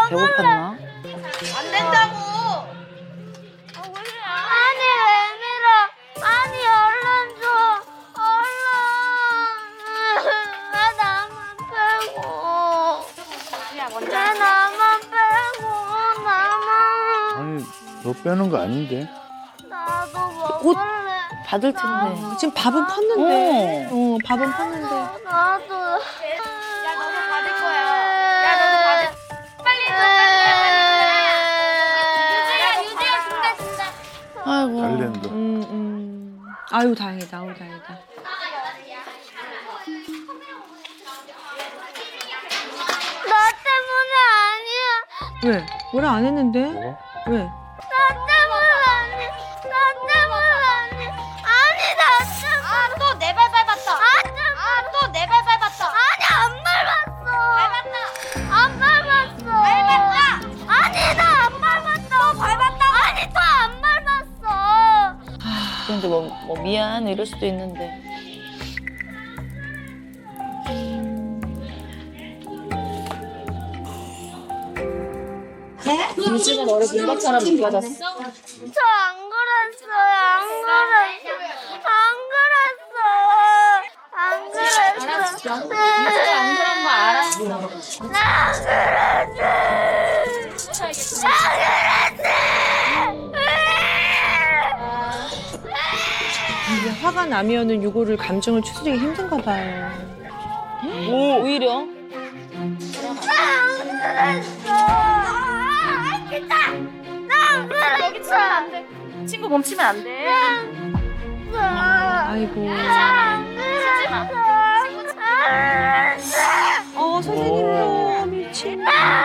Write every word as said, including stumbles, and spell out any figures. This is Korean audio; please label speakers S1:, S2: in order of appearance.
S1: 배고팠나?
S2: 안 된다고.
S3: 아니 왜 밀어? 아니 얼른 줘. 얼른. 왜 나만 빼고? 왜 나만 빼고 나만.
S4: 아니 너 빼는 거 아닌데?
S3: 나도
S1: 옷
S3: 먹을래.
S1: 받을 텐데.
S5: 지금 밥은 팠는데. 어, 밥은 팠는데.
S3: 나도.
S2: 야 너도 받을 거야. 야 너도 받을. 빨리 줘 빨리. 유지야 유지야 준다 준다.
S1: 아이고.
S4: 달랜드.
S5: 음, 음. 아유, 다행이다. 아유, 다행이다.
S3: 나 때문에 아니야.
S5: 왜? 뭐라 안 했는데?
S4: 뭐?
S5: 왜?
S3: 나 때문에 아니야. 나 때문에 아니야. 아니 나 때문에.
S2: 아또 내 발 밟았다. 아또 내 발 밟았다.
S3: 아니 안 밟았어.
S2: 밟았다.
S3: 안 밟았어.
S2: 밟았다.
S3: 아니 나 안 밟았어. 또 밟았다. 아니 또 안 밟았어.
S1: 그런데 뭐, 뭐 미안 이럴 수도 있는데. 유지가 너를 민박처럼 느껴졌어?
S3: 저 안 그랬어요. 안 그랬어. 안 그랬어. 안 그랬어.
S1: 유지가 안 그런 거 알았어.
S3: 나안 그랬어. 안
S5: 이게 화가 나면은 이거를 감정을 추스리기 힘든가 봐요.
S1: 오히려?
S3: 그랬어. 아, 진짜. 나안 그랬어.
S2: 친구 멈추면 안 돼.
S5: 아이고.
S3: 안 그랬어.
S5: 어, 선생님도 미친.
S3: 아,